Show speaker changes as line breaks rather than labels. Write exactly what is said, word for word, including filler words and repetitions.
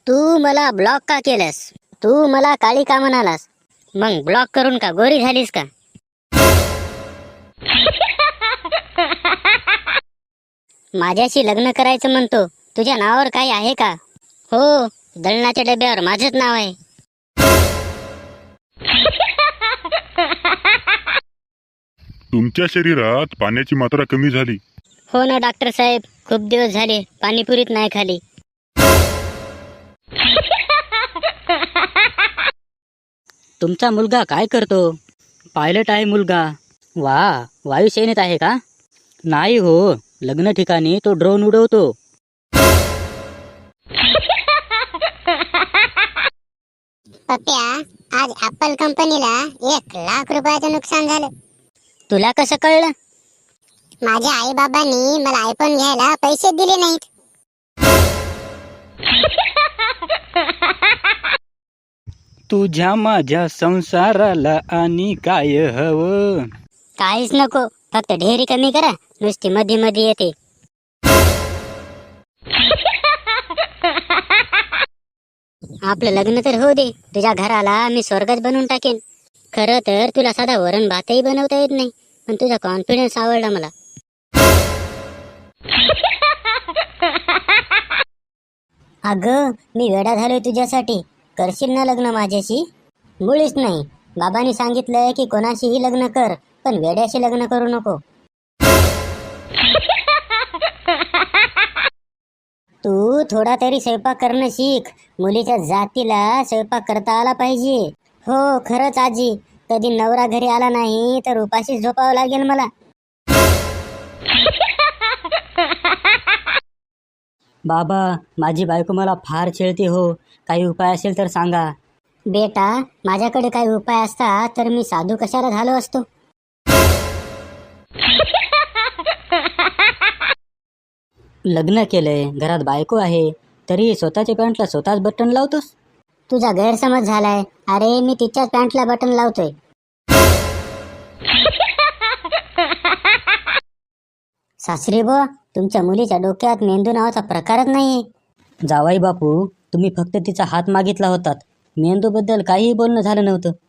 तू मला ब्लॉक का केलंस? तू मला काळी का म्हणालास? मग ब्लॉक करून का गोरी झालीस का? माझ्याशी लग्न करायचं म्हणतो, तुझ्या नावावर काही आहे का? हो, दळणाच्या डब्यावर माझंच नाव आहे.
तुमच्या शरीरात पाण्याची मात्रा कमी झाली.
हो ना डॉक्टर साहेब, खूप दिवस झाले पाणीपुरीत नाही खाली.
तुमचा मुलगा काय करतो? पायलट आहे मुलगा. वा, वायुसेनेत आहे का? नाही हो, लग्न ठिकाणी तो ड्रोन उडवतो.
पप्प्या, आज ऍपल कंपनीला एक लाख रुपयाचं नुकसान झालं.
तुला कसं कळलं?
माझ्या आई बाबांनी मला आयफोन घ्यायला पैसे दिले नाहीत.
तुझ्या माझ्या संसाराला आणि काय हवं?
काहीच नको, फक्त ढेरी कमी करा, नुसती मध्ये मध्ये येते. आपलं लग्न तर होऊ दे, तुझ्या घराला मी स्वर्गच बनवून टाकेन. खरं तर तुला साधा वरण भातही बनवता येत नाही, पण तुझा कॉन्फिडन्स आवडला मला. अगं, मी वेडा झालोय तुझ्यासाठी. करशील ना लग्न माझ्याशी? मुळीच नाही. बाबांनी सांगितलंय की कोणाशीही लग्न कर, पण वेड्याशी लग्न करू नको. तू थोडा तरी स्वयंपाक करणं शिक. मुलीच्या जातीला स्वयंपाक करता आला पाहिजे. हो खरंच आजी, कधी नवरा घरी आला नाही तर उपाशी झोपावं लागेल मला.
बाबा, माझी बायको मला फार छेळते हो. काही उपाय असेल तर सांगा.
बेटा, माझ्याकडे काही उपाय असता तर मी साधू कशाला झालो असतो.
लग्न केलंय, घरात बायको आहे, तरी स्वतःच्या पॅन्टला स्वतःच बटन लावतोस.
तुझा गैरसमज झालाय. अरे, मी तिच्याच पॅन्टला बटन लावतोय. सासरी बुवा, तुमच्या मुलीच्या डोक्यात मेंदू नावाचा प्रकारच नाहीये.
जावाई बापू, तुम्ही फक्त तिचा हात मागितला होतात. मेंदूबद्दल काहीही बोलणं झालं नव्हतं.